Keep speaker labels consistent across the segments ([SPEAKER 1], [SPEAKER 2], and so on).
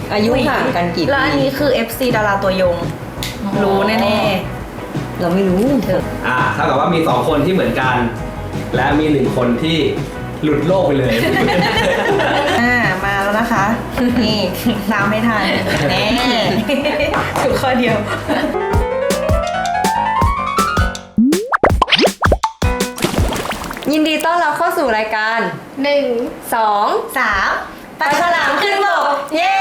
[SPEAKER 1] อายุห่างกันกี่ปี
[SPEAKER 2] แล้วอันนี้คือ FC ดาราตัวยงรู้แน่
[SPEAKER 1] ๆเราไม่รู้เถอะ
[SPEAKER 3] เท่ากับว่ามี2คนที่เหมือนกัน และมี1คนที่หลุดโลกไปเลย
[SPEAKER 2] มาแล้วนะคะนี่ตามไม่ทันแน่ถูกข้อเดียว
[SPEAKER 1] ยินดีต้อนรับเข้าสู่รายการ
[SPEAKER 2] 1 2 3ปลาฉลามขึ้นบกเย้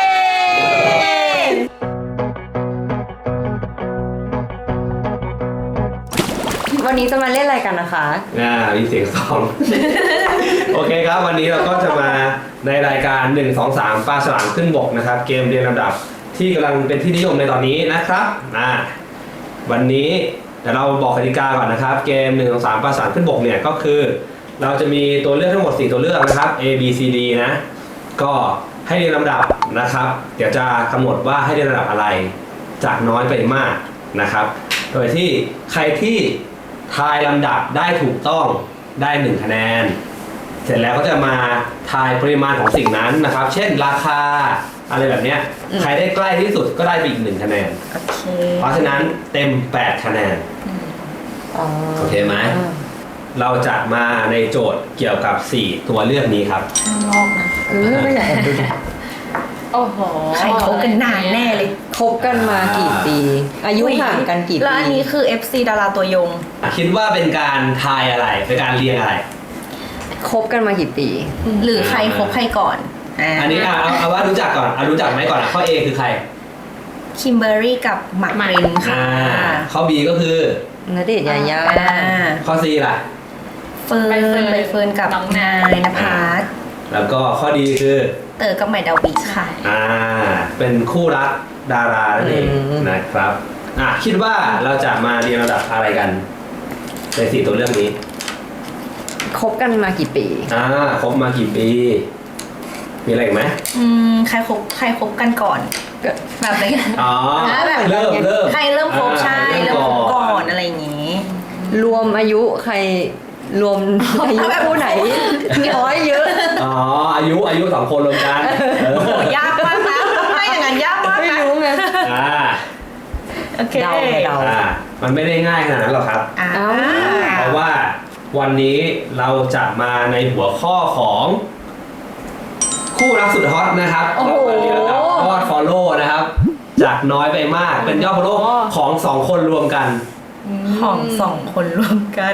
[SPEAKER 1] วันนี้จะมาเล่นอะไรกันนะคะ
[SPEAKER 3] มีเสียงซอง โอเคครับวันนี้เราก็จะมาในรายการ1 2 3ปลาฉลามขึ้นบกนะครับเกมเรียงลำดับที่กำลังเป็นที่นิยมในตอนนี้นะครับวันนี้เดี๋ยวเราบอกกติกาก่อนนะครับเกม1 2 3ปลาฉลามขึ้นบกเนี่ยก็คือเราจะมีตัวเลือกทั้งหมด4ตัวเลือกนะครับ A B C D นะก็ให้เรียงลำดับนะครับเดี๋ยวจะกำหนดว่าให้เรียงลำดับอะไรจากน้อยไปมากนะครับโดยที่ใครที่ทายลำดับได้ถูกต้องได้1คะแนนเสร็จแล้วก็จะมาทายปริมาณของสิ่งนั้นนะครับเช่นราคาอะไรแบบนี้ใครได้ใกล้ที่สุดก็ได้ไปอีก1คะแนนเพราะฉะนั้นเต็ม8คะแนนโอเคไหมเราจะมาในโจทย์เกี่ยวกับ4ตัวเลือกนี้ครับ
[SPEAKER 2] ลอกนะ
[SPEAKER 1] ไม่อยากดู
[SPEAKER 2] โอ้โหใครคบกันนานแน่เลย
[SPEAKER 1] คบกันมากี่ปีอายุห่างกันกี่ปี
[SPEAKER 2] แล้วอันนี้คือ FC ดาราตัวยง
[SPEAKER 3] คิดว่าเป็นการทายอะไรเป็นการเรียงอะไร
[SPEAKER 1] คบกันมากี่ปี
[SPEAKER 2] หรือใครคบใครก่อน
[SPEAKER 3] อันนี้เอาว่ารู้จักก่อนรู้จักไหมก่อนข้อ A คือใคร
[SPEAKER 2] คิมเบอร์รี่กับหมากปรินค่ะ
[SPEAKER 3] ข้อ B ก็คือ
[SPEAKER 1] ณเดชน์ยายา
[SPEAKER 3] ข้อ C ล่ะ
[SPEAKER 2] ใบเฟิร์นกับน้องนายณภัส
[SPEAKER 3] แล้วก็ข้อ D คือ
[SPEAKER 2] เต๋อกับใหม่ดาวิค่ะ
[SPEAKER 3] เป็นคู่รักดารานั่นเองนะครับคิดว่าเราจะมาเรียงลำดับอะไรกันใน4ตัวเรื่องนี้
[SPEAKER 1] คบกันมากี่ปี
[SPEAKER 3] คบมากี่ปีมีอะไรอีกไหม
[SPEAKER 2] ใครคบกันก่อนแบบไหนแบบ
[SPEAKER 3] เริ่ม
[SPEAKER 2] ใครเริ่มคบใช่เริ่มคบก่อนอะไรอย่างงี้
[SPEAKER 1] รวมอายุใครรวมอายุคู่ไหนน้อยเยอะ
[SPEAKER 3] อายุ2คนรวมกัน
[SPEAKER 2] โอ้โหยากมากนะไม่อย่างนั้นยากมาก
[SPEAKER 1] ไม่รู้ไง
[SPEAKER 2] โอเค
[SPEAKER 1] เดา
[SPEAKER 3] มันไม่ได้ง่ายขนาดนั้นหรอกครับเพราะว่าวันนี้เราจะมาในหัวข้อของคู่รักสุดฮอตนะครับยอด follow นะครับจากน้อยไปมากเป็นยอด follow ของ2คนรวมกัน
[SPEAKER 2] ของ2คนรวมกัน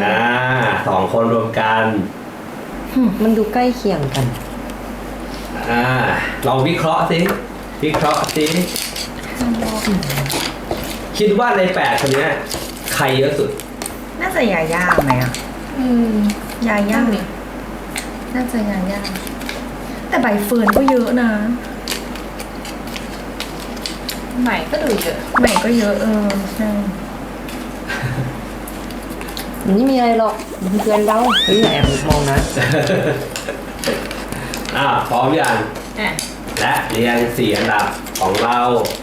[SPEAKER 3] 2คนรวมกัน
[SPEAKER 1] มันดูใกล้เคียงกัน
[SPEAKER 3] ลองวิเคราะห์สิคิดว่าใน8คนนี้ใครเยอะสุด
[SPEAKER 2] น่าจะยาย่าไหมยาย่าเนี่ยน่าจะยาย่าแต่ใบเฟิร์นก็เยอะนะใหม่ก็ดูเยอะใหม่ก็เยอะใช่
[SPEAKER 1] ไม่มีอะไรหรอกเพื่อนเราแอบมองนะ
[SPEAKER 3] พร้อมยังและเรียง4อันดับของเรา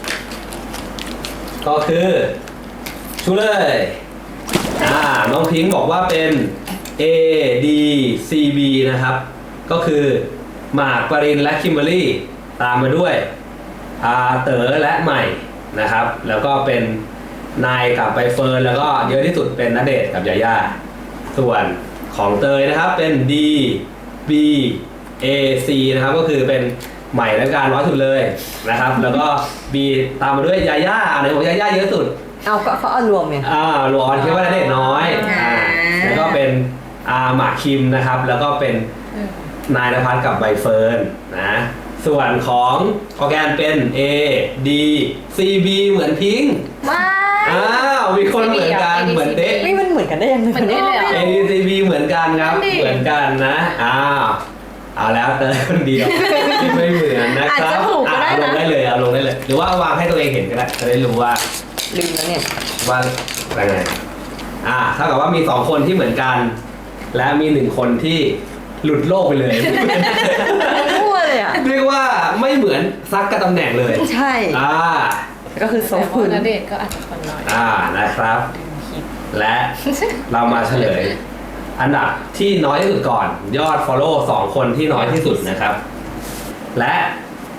[SPEAKER 3] ก็คือชูเลยน้องพิงค์บอกว่าเป็น A D C B นะครับก็คือหมากปรินและคิมเบอร์รี่ตามมาด้วยเต๋อและใหม่นะครับแล้วก็เป็นนายกับใบเฟิร์นแล้วก็เยอะที่สุดเป็นณเดชน์กับยาย่าส่วนของเตยนะครับเป็น D B A C นะครับก็คือเป็นใหม่และการน้อยสุดเลยนะครับแล้วก็ B ตามมาด้วยยาย่าอะไรของยาย่าเยอะสุด
[SPEAKER 1] ก็เขาเอารวมไง
[SPEAKER 3] รวมคิดว่าณเดชน์น้อยแล้วก็เป็นหมากคิมนะครับแล้วก็เป็นนายณภัสกับใบเฟิร์นนะส่วนของออร์แกนเป็น A D C B เหมือนพิงค์มีคนเหมือนกันเหมือนเด๊ะ
[SPEAKER 1] มันเหมือนกันได้ยังไง
[SPEAKER 2] เหมือนเด๊ะเลย
[SPEAKER 3] A D C B เหมือนกันครับเหมือนกันนะเอาแล้วเตยคนเดียวที่ไม่เหมือนนะครับเอาลงได้เลยหรือว่าวางให้ตัวเองเห็นก็ได้จะได้รู้ว่า
[SPEAKER 1] ลืมแล้วเนี่ย
[SPEAKER 3] ว่าอะไรไงเท่ากับว่ามี2คนที่เหมือนกันและมี1คนที่หลุดโลกไปเลย
[SPEAKER 1] มั่วเลย
[SPEAKER 3] เรียกว่าไม่เหมือนซักกับตำแหน่งเลย
[SPEAKER 1] ใช่ก็คือโซฟุน
[SPEAKER 2] ณเดชน์ก็อาจจะคนน้อย
[SPEAKER 3] นะครับและเรามาเฉลยอันดับที่น้อยที่สุดก่อนยอด follow 2คนที่น้อยที่สุดนะครับและ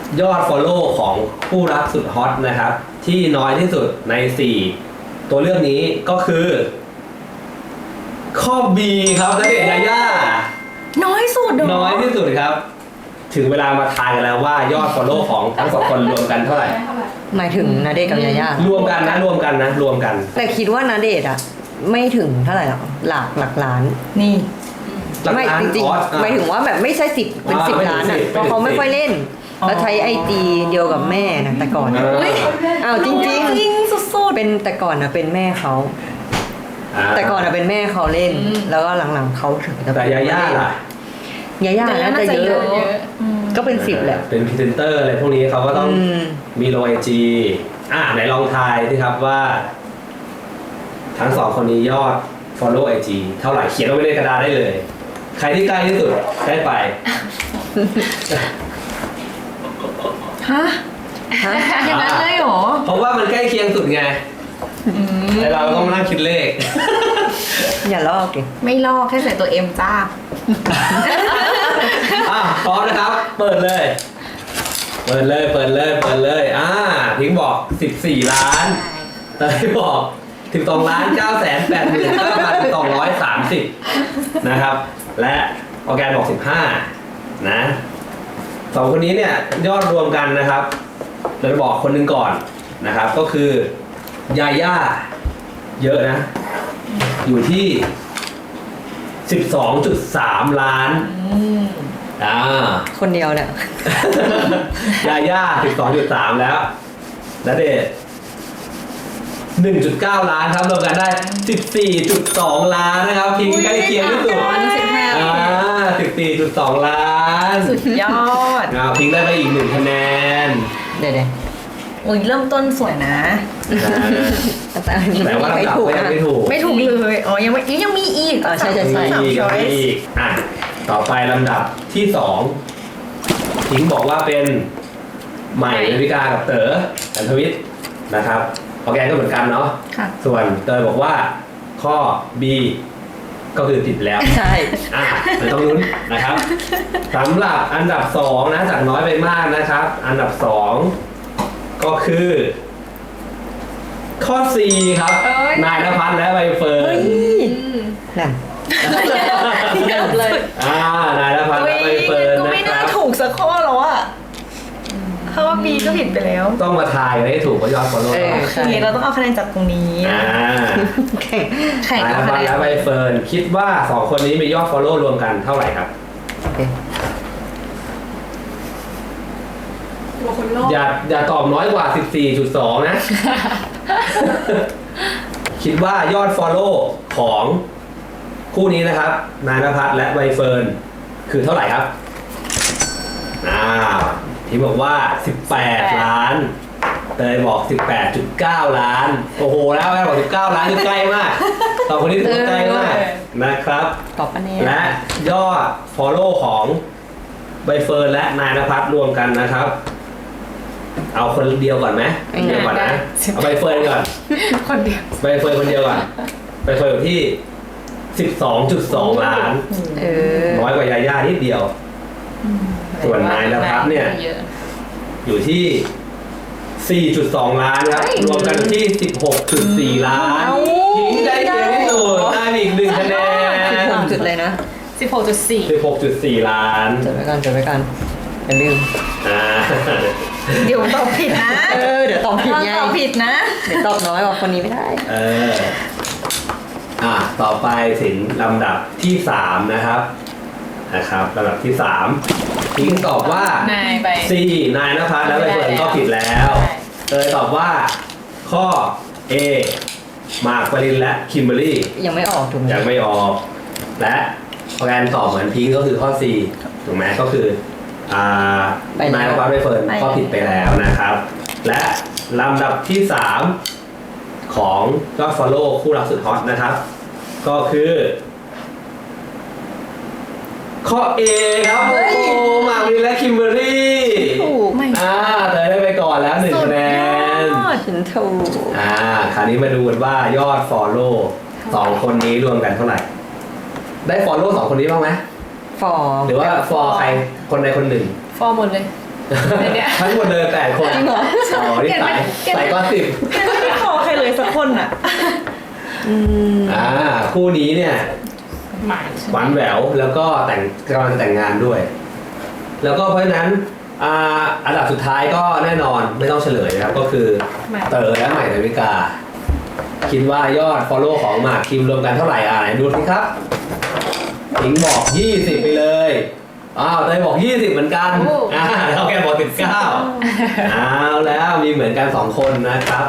[SPEAKER 3] ยอด follow ของคู่รักสุดฮอตนะครับ ที่น้อยที่สุดใน 4 ตัวเลือกนี้ก็คือ ข้อ B ครับณเดชน์ยาย่า
[SPEAKER 2] น้อยสุดเหรอ
[SPEAKER 3] น้อยที่สุดครับ ถึงเวลามาทายกันแล้วว่ายอด follow ของทั้งสองคนรวมกันเท่าไหร่
[SPEAKER 1] หมายถึงณเดชน์กับยาย่าร
[SPEAKER 3] วมกันนะรวมกัน
[SPEAKER 1] แต่คิดว่าณเดชน์อะไม่ถึงเท่าไหร่หรอกหลักล้าน
[SPEAKER 2] นี่
[SPEAKER 3] หลัก
[SPEAKER 1] ไม่
[SPEAKER 3] ล้าน
[SPEAKER 1] จริง
[SPEAKER 3] ออส
[SPEAKER 1] ๆหมายถึงว่าแบบไม่ใช่10เป็น
[SPEAKER 3] ไม่ถึง
[SPEAKER 1] 10 ล้านอะ
[SPEAKER 3] 10
[SPEAKER 1] เพราะเขาไม่ค่อยเล่น แล้วใช้ไอจีเดียวกับแม่นะแต่ก่อนอะ
[SPEAKER 2] อุ๊ย
[SPEAKER 1] อ้าวจริง
[SPEAKER 2] จริงสุด
[SPEAKER 1] เป็นแต่ก่อนนะเป็นแม่เขา แต่ก่อนนะเป็นแม่เขาเล่น แล้วก็หลังๆเขาถึงจะ
[SPEAKER 3] แต่ยาย่าล่ะ
[SPEAKER 1] ยาย่าน่าจะเยอะ ก็เป็น10แหละ
[SPEAKER 3] เป็นพรีเซนเตอร์อะไรพวกนี้เขาก็ต้อง
[SPEAKER 1] อืม
[SPEAKER 3] มีโลไอจีไหนลองทายสิครับว่า ทั้งสองคนนี้ยอด follow IG เท่าไหร่เขียนลงไปในกระดาษได้เลย ใครที่ใกล้ที่สุดได้ไป
[SPEAKER 2] ฮะ
[SPEAKER 1] ฮะ
[SPEAKER 2] อย่างนั้นเลยเหรอ
[SPEAKER 3] เพราะว่ามันใกล้เคียงสุดไงแต่เราต้องมานั่งคิดเลข
[SPEAKER 1] อย่าลอกดิ
[SPEAKER 2] ไม่ลอกแค่ใส่ตัวเอ็มจ้า
[SPEAKER 3] พร้อมนะครับ เปิดเลย เปิดเลยพิงค์บอก 14 ล้านเตยบอก12 ล้าน 989,230 นะครับ และออร์แกนบอก 15 นะสองคนนี้เนี่ยยอดรวมกันนะครับเราจะบอกคนหนึ่งก่อนนะครับ ก็คือยาย่าเยอะนะ อยู่ที่ 12.3 ล้าน
[SPEAKER 1] คนเดียวเนี่ย
[SPEAKER 3] ยาย่า 12.3 แล้วณเดชน์ 1.9 ล้านครับรวมกันได้ 14.2 ล้านนะครับ พิงค์ใกล้เคียงที่สุด 14.2 ล้าน
[SPEAKER 2] สุดยอด
[SPEAKER 3] พิงค์ได้ไปอีก1 คะแนน
[SPEAKER 1] เดี๋ยว
[SPEAKER 2] อุ้ยเริ่มต้นสวยนะ
[SPEAKER 1] แต่อันนี้
[SPEAKER 3] แต่ว่า
[SPEAKER 1] ไม่
[SPEAKER 3] ลำดับ
[SPEAKER 1] ถูก
[SPEAKER 3] ก็ยัง
[SPEAKER 1] นะ
[SPEAKER 3] ไม่ถูก
[SPEAKER 2] ไม่ถูกเลย อ๋อ ยังมีอีก
[SPEAKER 1] ใช่
[SPEAKER 2] สาม
[SPEAKER 3] มีอีก
[SPEAKER 2] ช้อย
[SPEAKER 3] มี
[SPEAKER 2] ส์
[SPEAKER 3] อีกต่อไปลำดับที่2พิงค์บอกว่าเป็นใหม่ดาวิกากับเต๋ออันทวิทย์นะครับออร์แกนก็เหมือนกันเนาะ
[SPEAKER 2] ค่ะ
[SPEAKER 3] ส่วนเตยบอกว่าข้อ B ก็คือผิดแล้ว
[SPEAKER 1] ใช่
[SPEAKER 3] ไม่ต้องลุ้นนะครับสำหรับอันดับ2นะจากน้อยไปมากนะครับ อันดับ2ก็คือ ข้อ C ครับ นายณภัทรและใบเฟิร์น
[SPEAKER 1] นั่น
[SPEAKER 2] เกือบเลย
[SPEAKER 3] นายณภัทรและใบเฟิร์น
[SPEAKER 2] ก็
[SPEAKER 3] นะ
[SPEAKER 2] ไม่
[SPEAKER 3] ค
[SPEAKER 2] น่า
[SPEAKER 3] รับ
[SPEAKER 2] ถูกสักข้อแล้วอะเพราะว่าบีก็ผิดไปแล้ว
[SPEAKER 3] ต้องมาทายกันให้ถูกว่ายอดฟอลโล่
[SPEAKER 1] เออ
[SPEAKER 2] โอเคเราต้องเอาคะแนนจากตรงนี้
[SPEAKER 1] แข่ง
[SPEAKER 2] แข่ง
[SPEAKER 3] นายณ
[SPEAKER 2] เอา
[SPEAKER 3] ภั
[SPEAKER 2] คะ
[SPEAKER 3] ทร
[SPEAKER 2] แนน
[SPEAKER 3] และใบเฟิร์นคิดว่า2คนนี้มียอดฟอลโล่รวมกันเท่าไหร่ครับ
[SPEAKER 1] โอเค
[SPEAKER 3] อย่าตอบน้อยกว่า 14.2 นะ คิดว่ายอด follow ของคู่นี้นะครับ นายณภัทรและใบเฟิร์นคือเท่าไหร่ครับที่บอกว่า 18 ล้าน เตยบอก 18.9 ล้าน โอ้โห แล้วแม่บอก 19 ล้านคือใกล้มากสองคนนี้ถือว่าใกล้มากนะครับ
[SPEAKER 1] ตอบปะเนี่ย
[SPEAKER 3] และยอด follow ของใบเฟิร์นและนายณภัทรรวมกันนะครับ เอาคนเดียวก่อนไหมเดียวก่อนนะ เอาใบเฟิร์นก่อน
[SPEAKER 2] คนเดียว
[SPEAKER 3] ใบเฟิร์นคนเดียวก่อนใบเฟิร์นอยู่ที่ 12.2 ล้าน น้อยกว่ายาย่านิดเดียว ส่วนนายณภัทรเนี่ย อยู่ที่ 4.2 ล้านครับ รวมกันอยู่ที่ 16.4 ล้านทิ้งได้เยอะที่สุดได้อีก1 คะแนน
[SPEAKER 1] 16 จุดเลยนะ
[SPEAKER 2] 16.4
[SPEAKER 3] 16.4 ล้าน
[SPEAKER 1] จดไว้กันอย่าลืม
[SPEAKER 2] เดี๋ยวตอบผิดนะ
[SPEAKER 1] เดี๋ยวตอบผิดไง
[SPEAKER 2] ตอบผิดนะ
[SPEAKER 1] เดี๋ยวตอบน้อยกว่าคนนี้ไม่ได้
[SPEAKER 3] ต่อไปถึงลำดับที่ 3 นะครับลำดับที่ 3พิงค์ตอบว่า
[SPEAKER 2] นายไป
[SPEAKER 3] C นายณภัทรและใบเฟิร์นก็ผิดแล้ว เตยตอบว่าข้อ A มาร์คปรินและคิมเบอร์รี่
[SPEAKER 1] ยังไม่ออกถูกไหม
[SPEAKER 3] ยังไม่ออก และออร์แกนตอบเหมือนพิงค์ก็คือข้อ C ถูกไหมก็คือนายณภัทรใบเฟิร์นก็ผิดไปแล้วนะครับ และลำดับที่ 3 ของยอด follow คู่รักสุดฮอตนะครับ ก็คือข้อ A ครับโอ้โหมาร์คปรินและคิมเบอร์รี่
[SPEAKER 1] ถูก
[SPEAKER 2] ไม่
[SPEAKER 3] เตยได้ไปก่อนแล้ว1 คะแนน
[SPEAKER 1] ฉันถูก
[SPEAKER 3] คราวนี้มาดูกันว่ายอด follow 2 คนนี้รวมกันเท่าไหร่ ได้ follow 2 คนนี้บ้างไหม
[SPEAKER 1] ฟอร์
[SPEAKER 3] หรือว่า for ใครคนใดคนหนึ่ง
[SPEAKER 2] ฟอร์หมดเลย
[SPEAKER 3] ฟทั้งหมดเลย8 คน
[SPEAKER 1] จริงเหรอ
[SPEAKER 3] อ๋อนี่ใส่ก้อน10
[SPEAKER 2] ไม่พอใครเลยสักคนอ่ะ
[SPEAKER 3] คู่นี้เนี่ย
[SPEAKER 2] หมาย
[SPEAKER 3] หวานแหววแล้วก็กำลังจะแต่งงานด้วย แล้วก็เพราะฉะนั้นอันดับสุดท้ายก็แน่นอนไม่ต้องเฉลยนะครับ ก็คือเต๋อและใหม่ดาวิกา คิดว่ายอด follow ของหมากคิมรวมกันเท่าไหร่ไหนดูสิครับถิงบอก20ไปเลยเตยบอก20เหมือนกันแล้วแกบอก19เอาแล้วมีเหมือนกัน2 คนนะครับ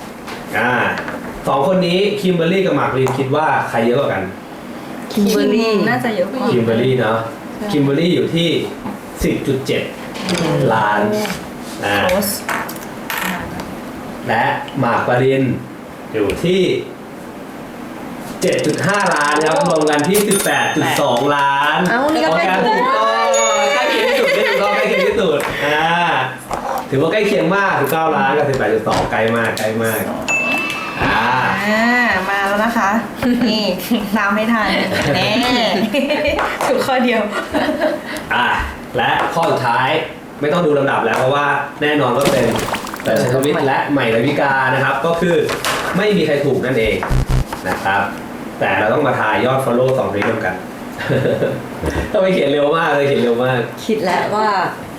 [SPEAKER 3] 2 คนนี้คิมเบอร์รี่กับหมากปรินคิดว่าใครเยอะกว่ากัน
[SPEAKER 1] คิมเบอร์รี่
[SPEAKER 2] น่าจะเยอะกว่า
[SPEAKER 3] คิมเบอร์รี่เนาะคิมเบอร์รี่อยู่ที่ 10.7 ล้าน
[SPEAKER 2] โพส
[SPEAKER 3] และหมากปรินอยู่ที่ 7.5 ล้านครับรวมกันที่ 18.2 ล้าน
[SPEAKER 1] เอ้านี่ก็ใกล้ถูก
[SPEAKER 3] ใกล้เคียงที่สุดใกล้เคียงที่สุดถือว่าใกล้เคียงมาก19 ล้านกับ 18.2 ใกล้มาก
[SPEAKER 2] มาแล้วนะคะ นี่ตามไม่ทันแน่ถูกข้อเดียว
[SPEAKER 3] และข้อสุดท้ายไม่ต้องดูลำดับแล้วเพราะว่าแน่นอนว่าเป็นแต่ชัยทวิทย์และใหม่ดาวิกานะครับ ก็คือไม่มีใครถูกนั่นเองนะครับ แต่เราต้องมาทายยอด follow 2 นี้รวมกัน ต้องไปเขียนเร็วมากเลยเขียนเร็วมาก
[SPEAKER 1] คิดแล้วว่า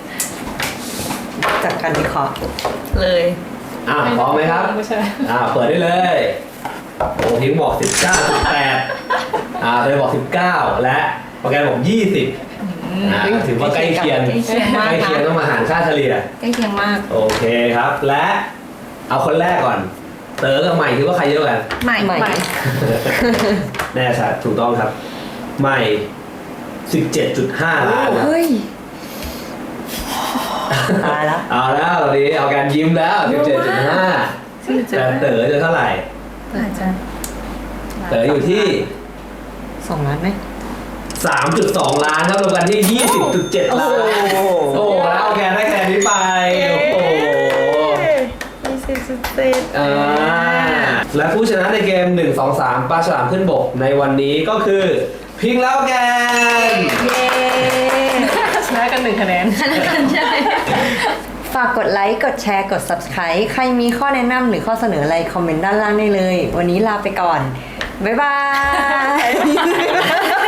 [SPEAKER 1] จากการวิเคราะห์
[SPEAKER 2] เลย
[SPEAKER 3] พร้อมไหมครับเปิดได้เลยโอ้พิงบอก 19.8เลยบอก 19 และโปรแกรมบอก 20ถือว่าใกล้เคียงต้องมาหารค่าเฉลี่ย
[SPEAKER 2] ใกล้เคียงมาก
[SPEAKER 3] โอเคครับ และเอาคนแรกก่อนเต๋อกับใหม่คิดว่าใครเยอะกว่ากัน
[SPEAKER 2] ใหม่
[SPEAKER 3] แน่ชัดถูกต้องครับใหม่ 17.5 ล้านครับ
[SPEAKER 1] เฮ้ยตายแล้ว
[SPEAKER 3] เอาแล้วตอนนี้เอาการยิ้มแล้ว 17.5 แต่เต๋อจะเท่าไหร่
[SPEAKER 2] อาจจะ
[SPEAKER 3] เต๋ออยู่ที่
[SPEAKER 1] 2 ล้านไหม
[SPEAKER 3] 3.2 ล้านครับรวมกันที่ 20.7 ล้านโอ้แล้วเอาแกนได้แกนนี้ไปโอ้โหและผู้ชนะในเกม 1 2 3 ปลาฉลามขึ้นบกในวันนี้ก็คือพิงแล้วแกน
[SPEAKER 2] เย้ชนะกัน1 คะแนนชนะกันใช่
[SPEAKER 1] ฝากกดไลค์ กดแชร์ กด Subscribe ใครมีข้อแนะนำหรือข้อเสนออะไร คอมเมนต์ด้านล่างได้เลย วันนี้ลาไปก่อน บ๊ายบาย